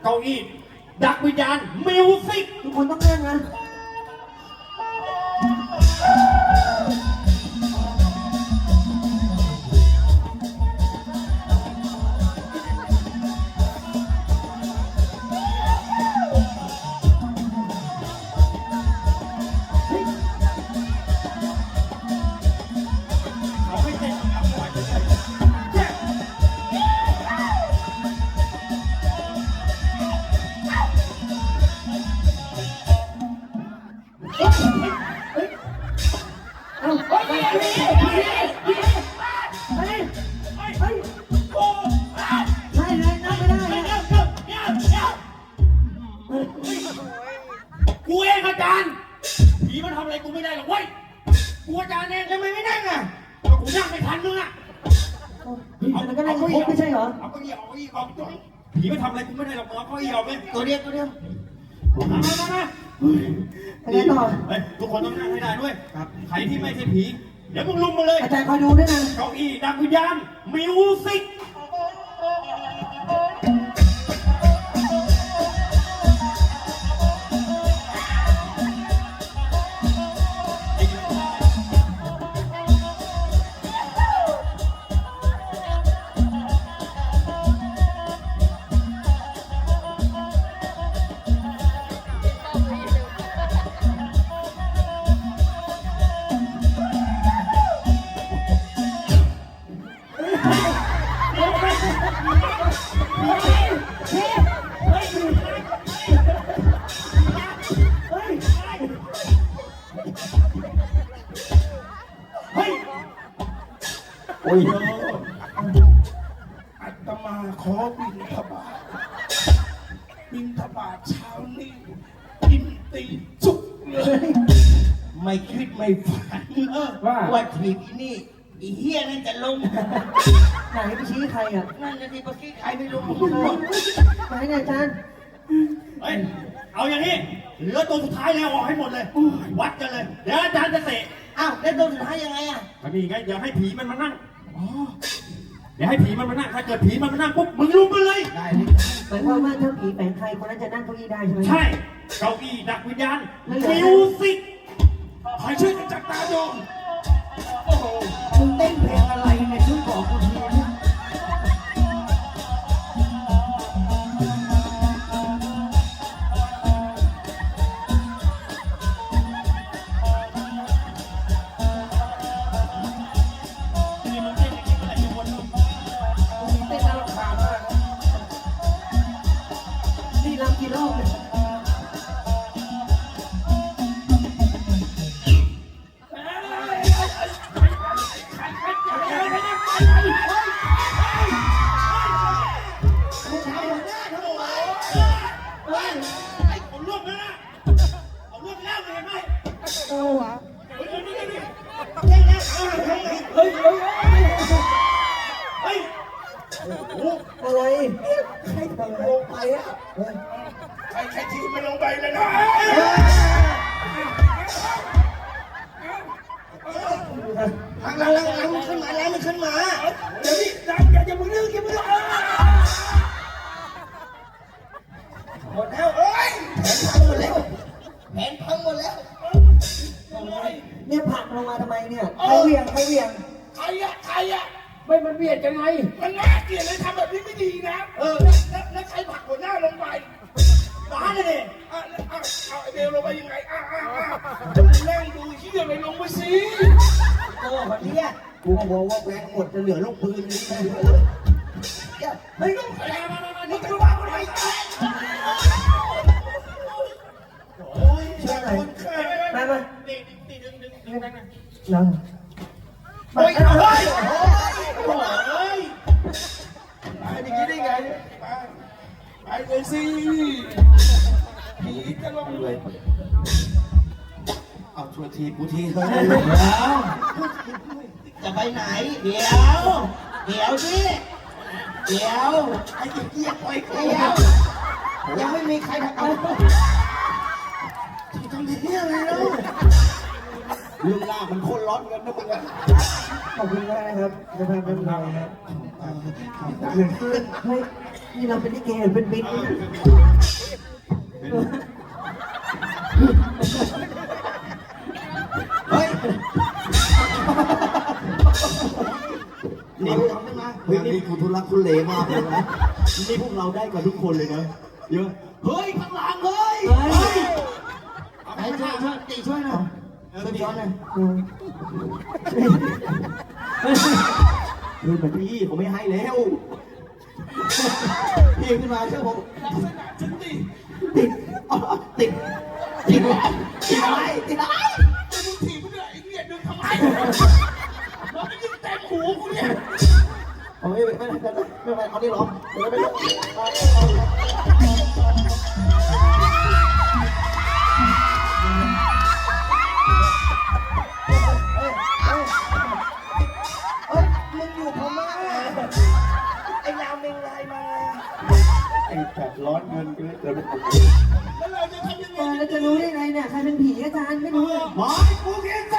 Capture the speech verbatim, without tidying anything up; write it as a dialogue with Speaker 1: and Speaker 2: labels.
Speaker 1: เก้าอี้ดักวิญญาณมิวสิก
Speaker 2: ทุกคนต้องเล่นนะ
Speaker 1: กูเองอาจารย์ผีมันทำอะไรกูไม่ได้หรอกเว้ยกูอาจารย์เองทำไมไม่นั่งอ่ะก็กูนั่งไม่ทันมึงอ่ะ
Speaker 2: มันก็นั่งคุกไม่ใช่เหรอ
Speaker 1: เอาเก้าอี้เอาเก้าอี้ออกตัวผีมันทำอะไรกูไม่ได้หรอกเอาเก้าอี้ออกไหม
Speaker 2: ตัวเดียวตัวเดียว
Speaker 1: มามามา
Speaker 2: อะไรต่อ
Speaker 1: ทุกคนต้องนั่งให้ได้ด้วยใครที่ไม่ใช่ผีเดี๋ยวมึงลุมมาเลย
Speaker 2: อาจารย์คอยดูด้วยนะ
Speaker 1: เก้าอี้ดักวิญญาณมิวสิก
Speaker 3: โอ้ยอาตมาขอบิณฑบาตบิณฑบาตเช้านี้กินตีจุกเลยไม่คิดไม่ฝันว่าว่าทีนี้อีเฮียนั่นจะลง
Speaker 2: ไหนไปชี้ใครอ่ะ
Speaker 3: นั่นจะที่เมื่อกี้ใครไม่รู้
Speaker 2: ไหนเนี่ยอาจารย์
Speaker 1: เฮ้ยเอาอย่างนี้เหลือตัวสุดท้ายแล้วออกให้หมดเลยวัดกันเลยเดี๋ยวอาจารย์จะเตะ
Speaker 3: อ้าวแล้วตัวสุดท้ายยังไงอ่ะ
Speaker 1: ก็นี่ไงเดี๋ยวให้ผีมันมานั่งเดี๋ยวให้ผีมันมานั่งถ้าเกิดผีมันมานั่งปุ๊บมึงลุกมันเลย
Speaker 3: ได้
Speaker 2: หมายความว่าถ้าผีแฝงใครคนนั้นจะนั่งเก้าอี้ได้ใช่ไหม
Speaker 1: ใช่เก้าอี้ดักวิญญาณมิวสิก
Speaker 3: ใครช่วยกันจับตาดูโอ้โหมึงเต้นเพลงอะไรเนี่ยช่วยบอกกูทีนะ
Speaker 2: กี่รอบเลยอะไรใครทำลงไปอ่ะ
Speaker 3: ใครใครทีมันลงไปเลยนะหลังหลังหลังหลังมันขึ้นมาแล้วมันขึ้นมาเดี๋ยวนี้ดังอย่าอย่ามึงนึกอย่ามึงนึกหมดแล้วเอ้ยแผนพังหมดแล้วแผนพังหมดแล้ว
Speaker 2: เนี่ยผักลงมาทำไมเนี่ยใครเวียงใครเวียง
Speaker 3: ใครอะใครอะ
Speaker 2: ไม่มันเวียงยังไง
Speaker 3: มันน่าเกลียดเลยทำแบบนี้ไม่ดีนะเออแล้วแล้วใครผักหัวหน้าลงไป
Speaker 1: ร้านเลย
Speaker 3: อ่ะอ่ะเอาไอเบลลงไปยังไงอ่ะอ่ะอ่ะจะมานั่งดูที่ยังไงลงไปสิ
Speaker 2: โอ้วันนี้กูบอกว่าแบงค์หมดจะเหลือลูกปืนนี่
Speaker 3: เฮ้ยลูกอะไรมามามานี่จะว่าอะไรโอ้ยช่วยหน่อย
Speaker 2: มามา
Speaker 3: ตีตีดึงดึงดึงนั่นน่ะ
Speaker 2: แล้ว
Speaker 3: เฮ้ยเฮ้ยเฮ้ยไปอย่างนี้ได้ไงไปไปเลยสิผีจะลงเลยเอาช่วยทีกูทีเถอะจะไปไหนเดี๋ยวเดี๋ยวสิเดี๋ยวไอ้เจี๊ยบปล่อยเดี๋ยวยังไม่มีใครทำเอาที่ทำที่นี่อะไรแล้วลุงล่ามันโคตรร้อนกันนะมึงอะ
Speaker 2: ขอบคุณมากนะครับจะพาไปทำอะไรครับเฮ้ยนี่เราเป็นลิเกหรือเป็นบิ๊กเนี่ยเฮ้ยนี่พวกเราได้มาเฮ้ยนี่กูทุลักทุเลมากเลยนะนี่พวกเราได้กันทุกคนเลยนะเยอะเฮ้ยข้างหลังเฮ้ยเฮ้ยไหนช่วยช่วยตีช่วยหน่อยช่วยย้อนหน่อยเฮ้ยแบบพี่ผมไม่ให้แล้วพี่ขึ้นมาเชื่อผมลักษณะฉันติดติดติดติดติดอะไรติดอะไร
Speaker 3: จะมึงถีบกูด้วยไอ้เหี้ยดึงทำไมมันไม่ยิงเต็มหูกูเนี่ย
Speaker 2: เอาไม่ไม่ไม่ไม่ไม่ไม่เอานี่หรอไม่ไม่มึงอยู่พม่าไอ้นาวเมงลายมาไอ้แบบร้อนเงินกันเลยเกินไป
Speaker 3: แล้วเราจะทำยังไง
Speaker 4: เราจะรู้ได้ไงเนี่ยใครเป็นผีอาจารย์ไม่รู้เลย
Speaker 2: หมอกูเก่ง